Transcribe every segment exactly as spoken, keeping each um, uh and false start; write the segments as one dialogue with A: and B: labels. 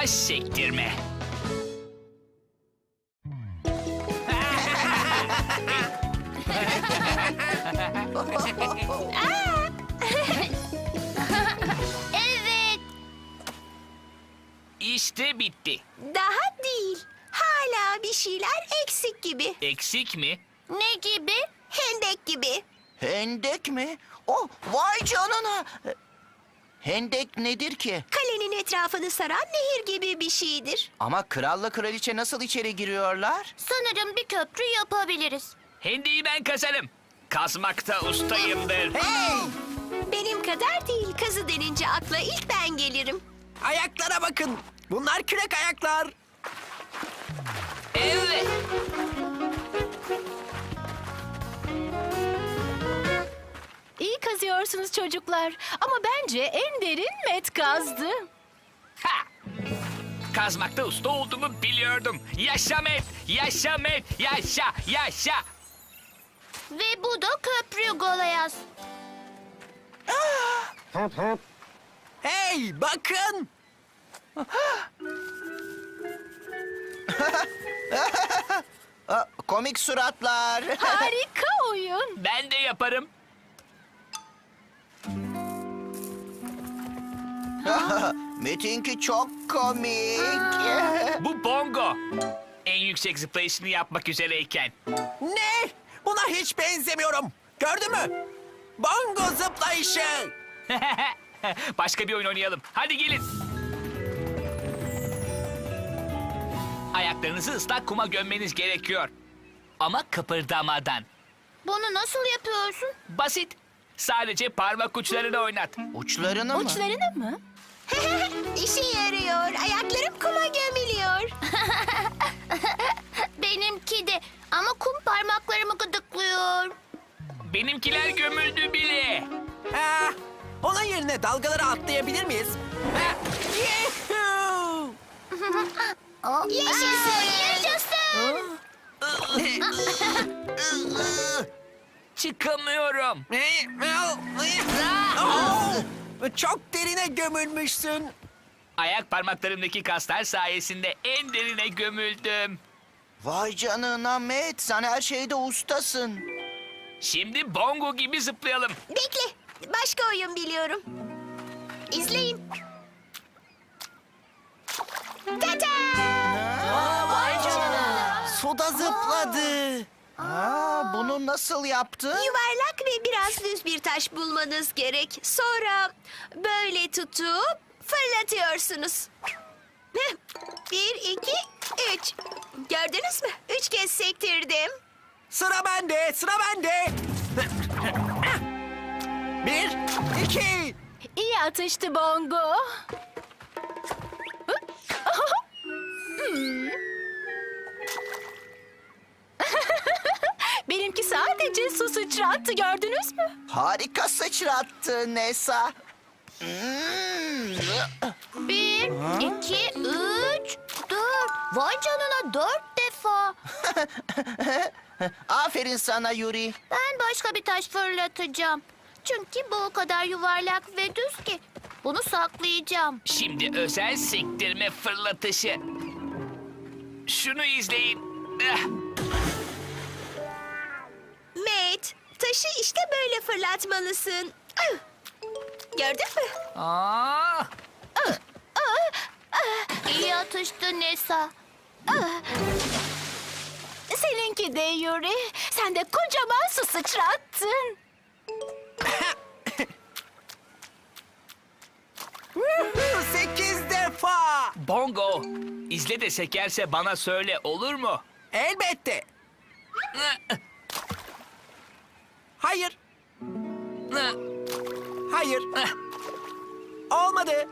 A: taş sektirme.
B: Evet.
A: İşte bitti.
C: Daha değil. Hala bir şeyler eksik gibi.
A: Eksik mi?
B: Ne gibi?
C: Hendek gibi.
D: Hendek mi? Oh, vay canına. Hendek nedir ki?
C: Kalenin etrafını saran nehir gibi bir şeydir.
D: Ama kralla kraliçe nasıl içeri giriyorlar?
B: Sanırım bir köprü yapabiliriz.
A: Hendeyi ben kazarım. Kazmakta ustayımdır.
E: Hey!
C: Benim kadar değil. Kazı denince akla ilk ben gelirim.
E: Ayaklara bakın. Bunlar kürek ayaklar.
A: Evet.
F: İyi kazıyorsunuz çocuklar. Ama bence en derin Met kazdı.
A: Ha! Kazmakta usta olduğumu biliyordum. Yaşa Met, yaşa Met, yaşa, yaşa.
B: Ve bu da köprü Golayaz.
E: Hey, bakın.
D: Aa, komik suratlar.
F: Harika oyun.
A: Ben de yaparım.
D: Metinki çok komik.
A: Bu bongo. En yüksek zıplayışını yapmak üzereyken.
E: Ne? Buna hiç benzemiyorum. Gördün mü? Bongo zıplayışı.
A: Başka bir oyun oynayalım. Hadi gelin. Ayaklarınızı ıslak kuma gömmeniz gerekiyor. Ama kıpırdamadan.
B: Bunu nasıl yapıyorsun?
A: Basit. Sadece parmak uçlarını oynat.
D: Uçlarını mı?
F: Uçlarını mı?
C: İşe yarıyor. Ayaklarım kuma gömülüyor.
B: Benimki de. Ama kum parmaklarımı gıdıklıyor.
A: Benimkiler gömüldü bile.
E: Ah, onun yerine dalgaları atlayabilir miyiz? Ah, yuhuu!
B: Yaşasın, yaşasın.
A: Çıkamıyorum.
E: Oh, çok derine gömülmüşsün.
A: Ayak parmaklarımdaki kaslar sayesinde en derine gömüldüm.
D: Vay canına Met, sen her şeyde ustasın.
A: Şimdi bongo gibi zıplayalım.
C: Bekle. Başka oyun biliyorum. İzleyin. Tata!
D: Vay canına. Suda zıpladı. Aa, bunu nasıl yaptı?
C: Yuvarlak ve biraz düz bir taş bulmanız gerek. Sonra böyle tutup fırlatıyorsunuz. Heh. Bir, iki, üç. Gördünüz mü? Üç kez sektirdim.
E: Sıra bende, sıra bende. Bir, iki.
F: İyi atıştı Bongo. Hmm. Benimki sadece su sıçrattı, gördünüz mü?
D: Harika sıçrattı Nesa. Hmm.
B: Bir, iki, üç, dört. Vay canına dört defa.
D: Aferin sana Yuri.
B: Ben başka bir taş fırlatacağım. Çünkü bu o kadar yuvarlak ve düz ki. Bunu saklayacağım.
A: Şimdi özel sektirme fırlatışı. Şunu izleyin. Eh,
C: Matt, taşı işte böyle fırlatmalısın. Ah! Gördün mü?
A: Aa,
B: İyi atıştı Nesa.
F: Seninki de Yuri. Sen de kocaman su sıçrattın.
E: Sekiz defa.
A: bongo. İzle de sekerse bana söyle, olur mu?
E: Elbette.
A: Eh,
E: Hayır,
A: eh,
E: hayır.
A: eh.
E: Olmadı.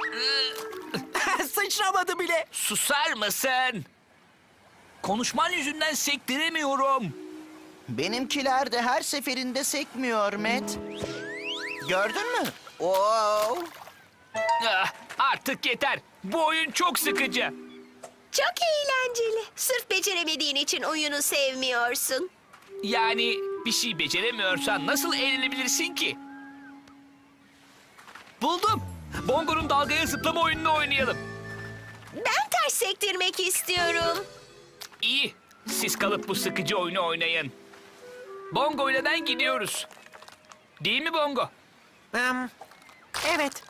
E: Sıçramadı bile.
A: Susar mısın? Konuşman yüzünden sektiremiyorum.
D: Benimkiler de her seferinde sekmiyor Met. Gördün mü? Wow.
A: Ah, artık yeter. Bu oyun çok sıkıcı.
C: Çok eğlenceli. Sırf beceremediğin için oyunu sevmiyorsun.
A: Yani bir şey beceremiyorsan nasıl eğlenebilirsin ki? Buldum. Bongo'nun dalgaya zıplama oyununu oynayalım.
C: Ben taş sektirmek istiyorum.
A: İyi. Siz kalıp bu sıkıcı oyunu oynayın. Bongo ile ben gidiyoruz. Değil mi Bongo?
E: Em, evet.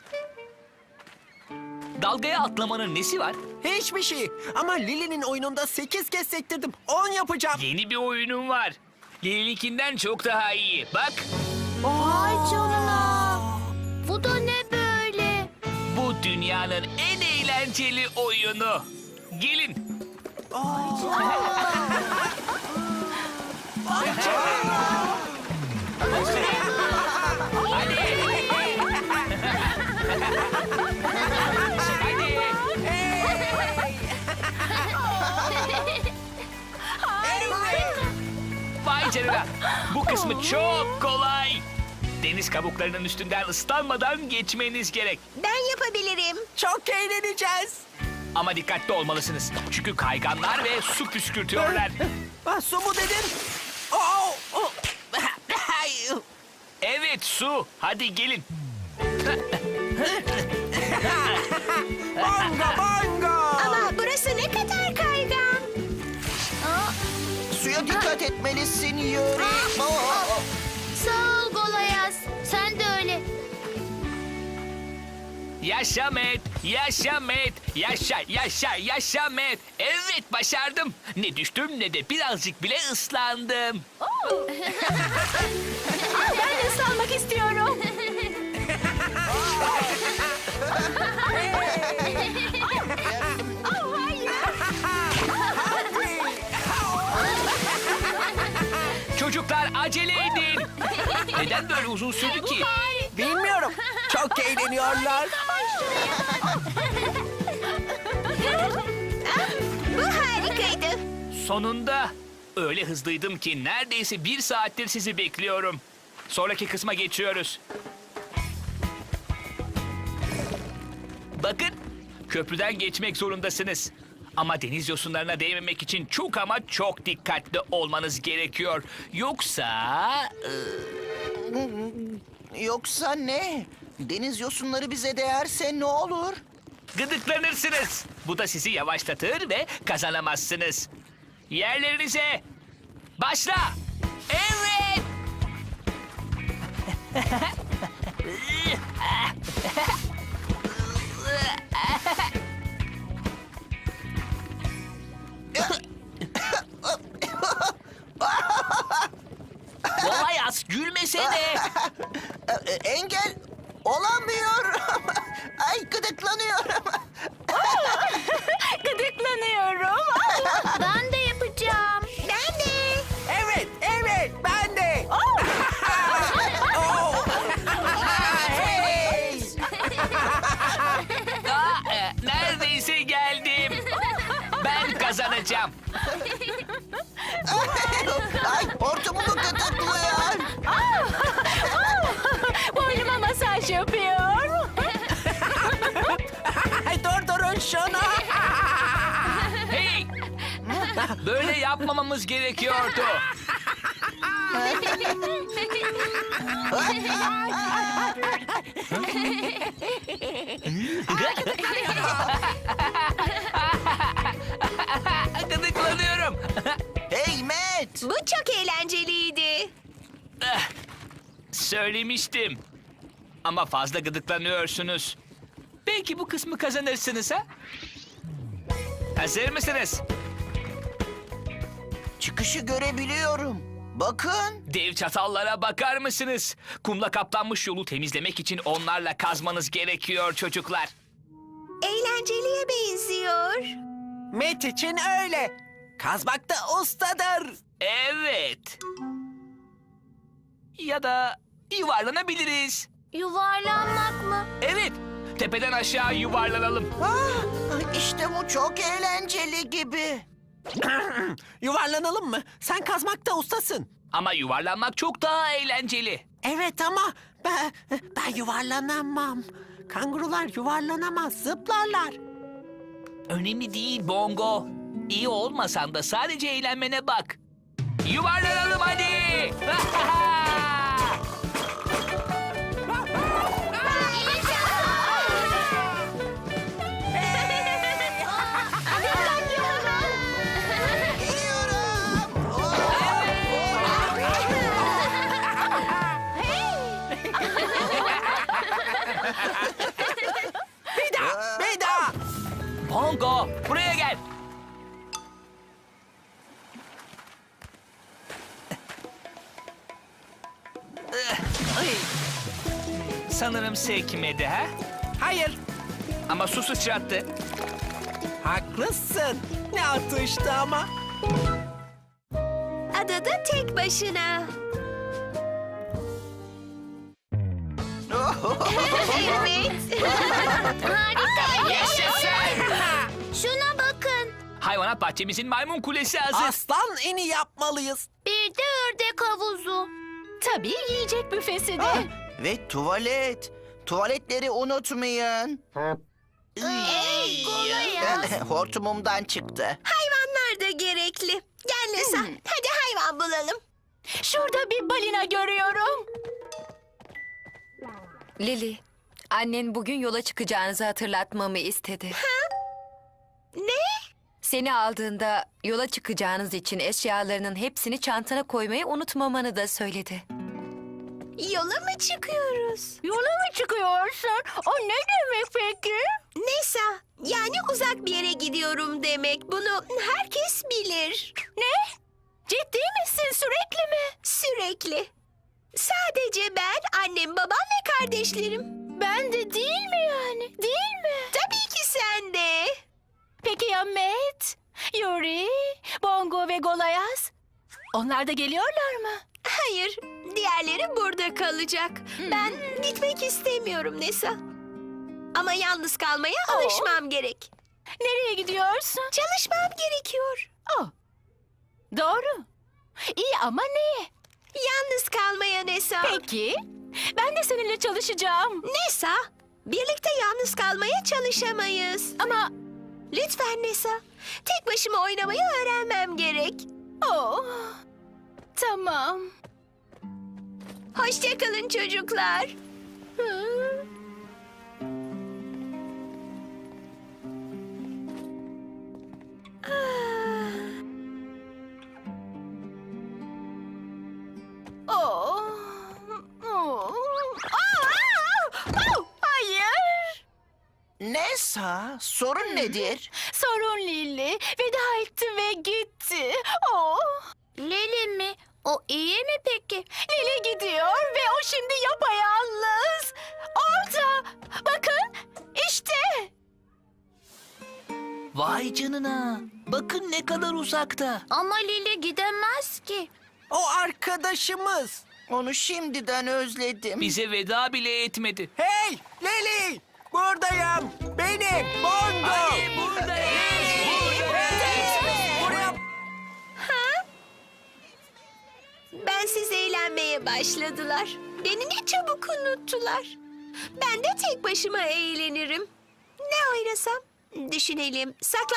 A: Dalgaya atlamanın nesi var?
E: Hiçbir şey. Ama Lili'nin oyununda sekiz kez sektirdim. on yapacağım.
A: Yeni bir oyunum var. Lili'ninkinden çok daha iyi. Bak,
B: Vay canına. Bu da ne böyle?
A: bu dünyanın en eğlenceli oyunu. Gelin. Hadi. Vay canına. Bu kısmı çok kolay. Deniz kabuklarının üstünden ıslanmadan geçmeniz gerek.
C: Ben yapabilirim.
E: Çok eğleneceğiz.
A: Ama dikkatli olmalısınız. Çünkü kayganlar ve su püskürtüyorlar.
E: Ah, su mu dedin? Oh, oh. Ay,
A: Evet, su. Hadi gelin.
E: bongo bongo.
C: Ama burası ne kadar kaygan.
D: Suya dikkat etmelisin Yuri. Aa,
B: Sağ ol Golayaz. Sen de öyle.
A: Yaşa Met, yaşa Met, yaşa, yaşa, yaşa Met. Evet, başardım. Ne düştüm ne de birazcık bile ıslandım.
F: Ben de ıslanmak istiyorum.
A: Çocuklar acele edin. Neden böyle uzun sürdü ki?
E: Bilmiyorum. Çok eğleniyorlar.
C: Bu harikaydı.
A: Sonunda. Öyle hızlıydım ki neredeyse bir saattir sizi bekliyorum. Sonraki kısma geçiyoruz. Bakın, köprüden geçmek zorundasınız. Ama deniz yosunlarına değmemek için çok ama çok dikkatli olmanız gerekiyor. Yoksa...
D: Yoksa ne? Deniz yosunları bize değerse ne olur?
A: Gıdıklanırsınız. Bu da sizi yavaşlatır ve kazanamazsınız. Yerlerinize. Başla. Evet. Kolayaz, gülmesene.
D: E, Engel olamıyorum. Ay gıdıklanıyorum.
F: Gıdıklanıyorum.
B: Ben de yapacağım.
C: Ben de.
E: Evet, evet. Ben de. Oh. Hey.
A: Aa, e, neredeyse geldim. Ben kazanacağım.
D: Ay hortumumu gıdıklıyor.
F: Boynuma masaj yapıyor.
E: Ay, durdurun şunu.
A: Hey! Böyle yapmamamız gerekiyordu. Gıdıklanıyorum.
D: Hey Matt.
C: Bu çok eğlenceliydi.
A: Söylemiştim. Ama fazla gıdıklanıyorsunuz. Belki bu kısmı kazanırsınız ha? Hazır mısınız?
D: Çıkışı görebiliyorum. Bakın.
A: Dev çatallara bakar mısınız? Kumla kaplanmış yolu temizlemek için onlarla kazmanız gerekiyor çocuklar.
C: Eğlenceliye benziyor.
E: Met için öyle. Kazmakta ustadır.
A: Evet. Ya da yuvarlanabiliriz.
B: Yuvarlanmak mı?
A: Evet. Tepeden aşağı yuvarlanalım.
D: Ah, işte bu çok eğlenceli gibi.
E: Yuvarlanalım mı? Sen kazmakta ustasın.
A: Ama yuvarlanmak çok daha eğlenceli.
E: Evet ama ben, ben yuvarlanamam. Kangurular yuvarlanamaz, zıplarlar.
A: Önemli değil Bongo. İyi olmasan da sadece eğlenmene bak. Yuvarlanalım hadi.
F: Ay,
A: Sanırım sekmedi ha?
E: Hayır,
A: Ama su sıçrattı.
E: haklısın. Ne atıştı ama.
C: Adada tek başına. Evet.
B: Harika.
A: Yaşasın!
B: Şuna bakın.
A: Hayvanat bahçemizin maymun kulesi hazır.
E: Aslan ini yapmalıyız.
B: Bir de ördek havuzu.
F: tabii yiyecek büfesi de.
D: Ah, ve tuvalet. Tuvaletleri unutmayın.
B: Ey, kolay ya.
D: Hortumumdan çıktı.
C: Hayvanlar da gerekli. Gel Nesa. Hadi hayvan bulalım.
F: Şurada bir balina görüyorum.
G: Lili, annen bugün yola çıkacağınızı hatırlatmamı istedi.
C: Ne?
G: Seni aldığında yola çıkacağınız için eşyalarının hepsini çantana koymayı unutmamanı da söyledi.
C: Yola mı çıkıyoruz?
F: Yola mı çıkıyorsun? O ne demek peki?
C: Neyse, yani uzak bir yere gidiyorum demek. Bunu herkes bilir.
F: Ne? Ciddi misin, sürekli mi?
C: Sürekli. Sadece ben, annem, babam ve kardeşlerim.
F: Ben de değil mi yani? Değil mi?
C: Tabii ki sen de.
F: Peki ya Matt, Yuri, Bongo ve Golayaz? Onlar da geliyorlar mı?
C: Hayır, diğerleri burada kalacak. Ben gitmek istemiyorum Nesa. Ama yalnız kalmaya
F: Oo.
C: alışmam gerek.
F: Nereye gidiyorsun?
C: Çalışmam gerekiyor.
F: Oh. Doğru. İyi ama neye?
C: Yalnız kalmaya Nesa.
F: Peki, ben de seninle çalışacağım.
C: Nesa, birlikte yalnız kalmaya çalışamayız.
F: Ama
C: Lütfen Nesa, tek başıma oynamayı öğrenmem gerek.
F: oh. Tamam.
C: Hoşça kalın çocuklar.
F: Hı. Oh. Oh. Aa! Oh, hayır.
D: Nesa, sorun nedir?
F: Sorun Lili. Veda etti ve gitti. Oh.
B: Lili mi? O iyi mi peki?
F: Lili gidiyor ve o şimdi yapayalnız. Orada. Bakın. İşte.
A: Vay canına. Bakın ne kadar uzakta.
B: Ama Lili gidemez ki.
E: O arkadaşımız.
D: Onu şimdiden özledim.
A: Bize veda bile etmedi.
E: Hey, Lili! Buradayım. Benim, Bongo.
A: Hadi buradayız. Buradayız.
E: Buraya
C: Bensiz eğlenmeye başladılar. Beni ne çabuk unuttular. Ben de tek başıma eğlenirim. Ne oynasam? Düşünelim. Saklan